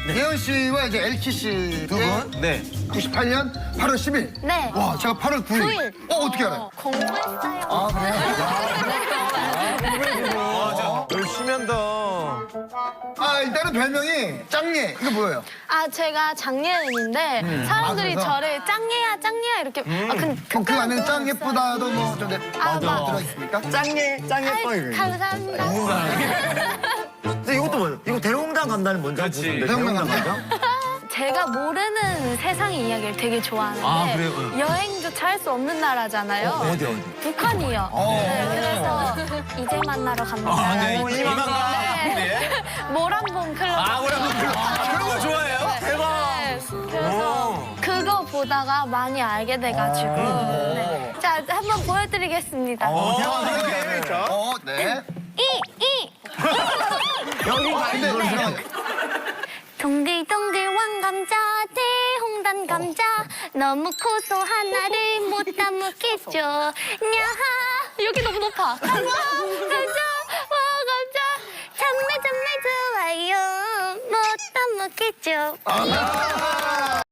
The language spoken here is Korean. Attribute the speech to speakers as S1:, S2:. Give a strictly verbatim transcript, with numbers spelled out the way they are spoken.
S1: 예은 씨와 이제 엘키 씨
S2: 두 분? 네.
S1: 구십팔 년 팔월 십일.
S3: 네.
S1: 와, 제가 팔월 구일.
S3: 구일.
S1: 어, 어떻게 알아요?
S3: 공부했어요.
S1: 아, 그래요?
S2: 맞아. 열심히 한다.
S1: 아, 일단은 별명이 짱예. 이거 뭐예요?
S3: 아, 제가 장예은인데 사람들이
S1: 아, 그래서?
S3: 저를 짱예야, 짱예야 이렇게. 아, 근데
S1: 그럼 그 안에 짱
S3: 들었어요.
S1: 예쁘다도 뭐 좀
S3: 아, 맞아.
S1: 들어있습니까?
S4: 짱예, 짱예
S3: 아이,
S4: 뻥이에요.
S3: 감사합니다.
S4: 근데 이것도 뭐예요? 이거 대홍당 감독님 먼저
S2: 그렇지.
S4: 보는데
S1: 대홍당
S4: 대홍당
S1: 감독?
S4: 감독?
S3: 제가 모르는 세상의 이야기를 되게 좋아하는데
S2: 아, 그래요? 응.
S3: 여행조차 할 수 없는 나라잖아요.
S4: 어디 어디?
S3: 북한이요. 네, 그래서 이제 만나러 갑니다.
S2: 아, 네.
S3: 라는
S2: 이만 가.
S3: 네. 모란봉 클럽.
S2: 아, 뭐라고 그런 거 좋아해요? 대박.
S3: 네, 그래서 그거 보다가 많이 알게 돼가지고. 네. 자, 한번 보여드리겠습니다.
S1: 어,
S2: 네.
S1: 어, 네.
S3: 이, 이.
S1: 여기 가는데 잠깐만요.
S3: 동글동글 왕감자 대홍단 감자 너무 커서 하나를 못 담겠죠. 야하 여기 너무 높아. 감자 감자 왕감자 정말 정말 좋아요 못 담겠죠.
S1: 아,